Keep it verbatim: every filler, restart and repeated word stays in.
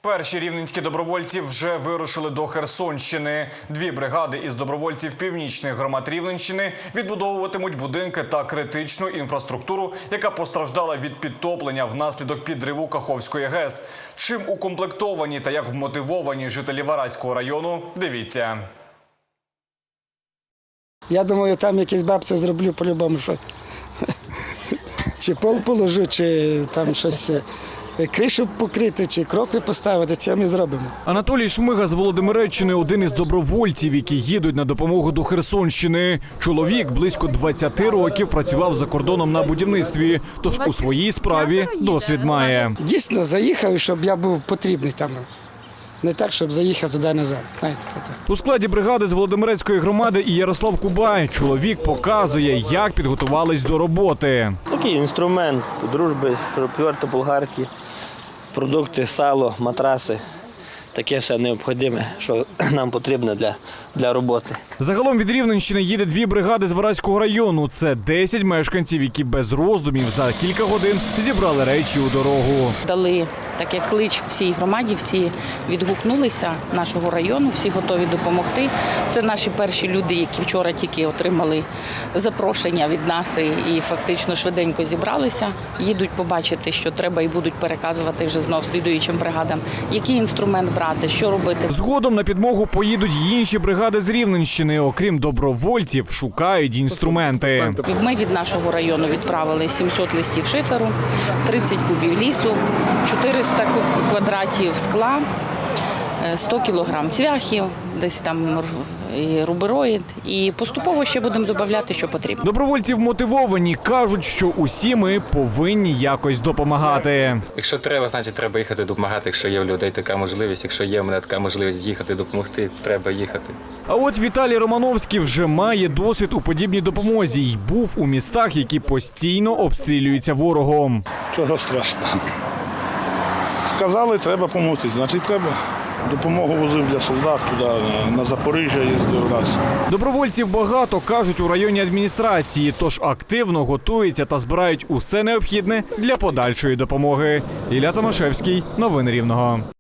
Перші рівненські добровольці вже вирушили до Херсонщини. Дві бригади із добровольців північних громад Рівненщини відбудовуватимуть будинки та критичну інфраструктуру, яка постраждала від підтоплення внаслідок підриву Каховської ГЕС. Чим укомплектовані та як вмотивовані жителі Вараського району – дивіться. Я думаю, там якісь бабці зроблю по-любому щось. Чи пол положу, чи там щось, кришу покрити, чи кроки поставити, це ми зробимо. Анатолій Шмига з Володимиреччини – один із добровольців, які їдуть на допомогу до Херсонщини. Чоловік близько двадцяти років працював за кордоном на будівництві, тож у своїй справі досвід має. Дійсно, заїхав, щоб я був потрібний там. Не так, щоб заїхав туди-назад. У складі бригади з Володимирецької громади і Ярослав Кубай. Чоловік показує, як підготувались до роботи. Такий інструмент дружби, шуруповерти, болгарки, продукти, сало, матраси. Таке все необхідне, що нам потрібно для, для роботи. Загалом від Рівненщини їде дві бригади з Вараського району. Це десять мешканців, які без роздумів за кілька годин зібрали речі у дорогу. Дали так як клич всій громаді, всі відгукнулися нашого району, всі готові допомогти. Це наші перші люди, які вчора тільки отримали запрошення від нас і фактично швиденько зібралися. Їдуть побачити, що треба, і будуть переказувати вже знов слідуючим бригадам, який інструмент брати, що робити. Згодом на підмогу поїдуть й інші бригади з Рівненщини. Окрім добровольців, шукають інструменти. Ми від нашого району відправили сімсот листів шиферу, тридцять кубів лісу, чотириста квадратів скла, сто кілограм цвяхів, десь там і рубероїд. І поступово ще будемо додавати, що потрібно. Добровольці мотивовані, кажуть, що усі ми повинні якось допомагати. Якщо треба, значить треба їхати допомагати. Якщо є в людей така можливість, якщо є в мене така можливість їхати допомогти, треба їхати. А от Віталій Романовський вже має досвід у подібній допомозі й був у містах, які постійно обстрілюються ворогом. Чого страшного? Сказали, треба допомогти, значить треба. Допомогу возив для солдат туди, на Запоріжжя їздив раз. Добровольців багато, кажуть у районній адміністрації, тож активно готуються та збирають усе необхідне для подальшої допомоги. Ілля Томашевський, новини Рівного.